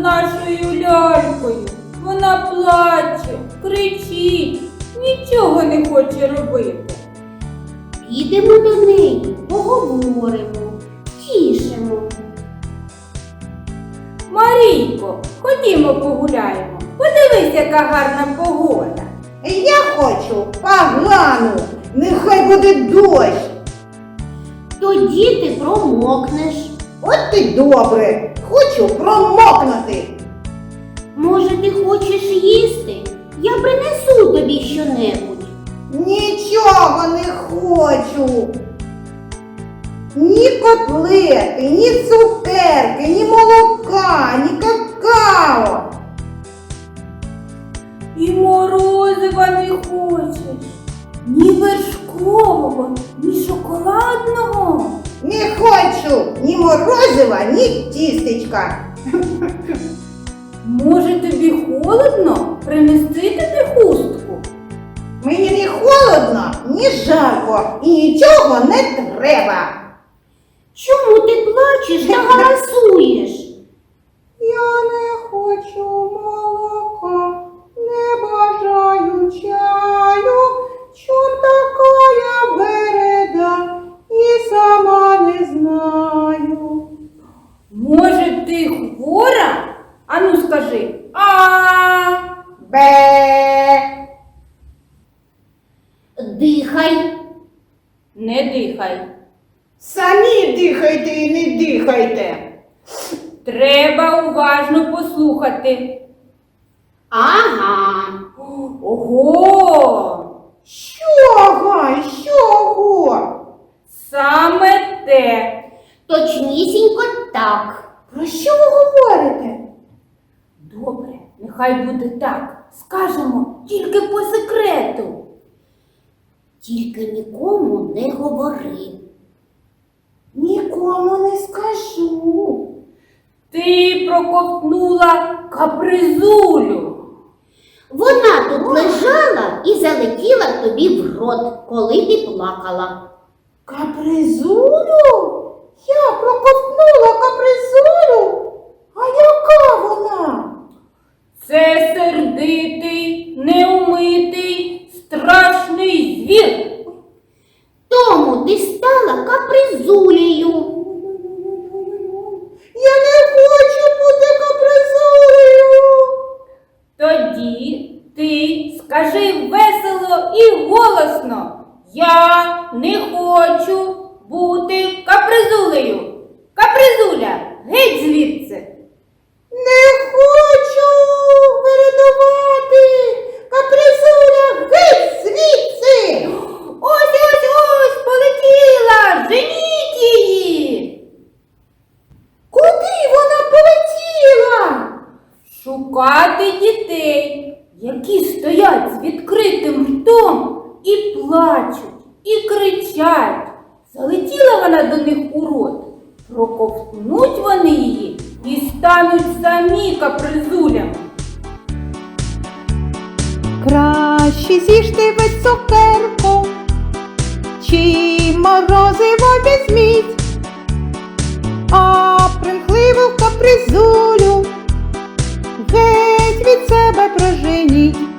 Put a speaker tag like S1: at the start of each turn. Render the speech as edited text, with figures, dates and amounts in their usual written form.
S1: нашою лялькою? Вона плаче, кричить, нічого не хоче робити.
S2: Підемо до неї, поговоримо, тішимо.
S1: Марійко, ходімо погуляємо. Подивись, яка гарна погода.
S3: Я хочу погану, нехай буде дощ.
S2: Тоді ти промокнеш.
S3: От ти добре, хочу промокнути.
S2: Може, ти хочеш їсти? Я принесу тобі щонебудь.
S3: Нічого не хочу. Ні котлети, ні цукерки, ні молока, ні какао.
S1: І морозива не хочеш, ні вершкового, ні шоколадного.
S3: Не хочу ні морозива, ні тістечка.
S1: Може, тобі холодно? Принести тобі хустку?
S3: Мені ні холодно, ні жарко і нічого не треба.
S2: Чому ти плачеш та галасуєш?
S3: Я не хочу молока, не бажаю чаю, чом такая вереда і сама не знаю.
S1: Може, ти хвора? Ану скажи
S3: Бе.
S2: Дихай.
S1: Не дихай.
S3: Самі дихайте і не дихайте.
S1: Треба уважно послухати.
S2: Ага.
S1: Ого!
S3: Чого?
S1: Саме те.
S2: Точнісінько так.
S3: Про що ви говорите?
S1: Добре, нехай буде так. Скажемо тільки по секрету.
S2: Тільки нікому не говори.
S3: Нікому не скажу.
S1: Ти проковтнула капризулю.
S2: Вона тут лежала і залетіла тобі в рот, коли ти плакала.
S3: Капризулю? Я проковтнула капризулю? А яка вона?
S1: Це сердитий, неумитий, страшний звір.
S2: Тому ти стала капризулею.
S3: Я не хочу бути капризулею.
S1: Тоді ти скажи весело і голосно: я не хочу бути капризулею. Капризуля, геть звідси.
S3: Не хочу вирядувати. Капризуля, геть звідси.
S1: Ось, полетіла, женіть її.
S3: Куди вона полетіла?
S1: Шукати дітей, які стоять з відкритим ртом і плачуть, і кричать. Залетіла вона до них у рот. Проковтнуть вони її і стануть самі капризулями.
S4: Краще з'їжте ви цукерку, чи морозиво візьміть, а примхливу капризулю геть від себе проженіть.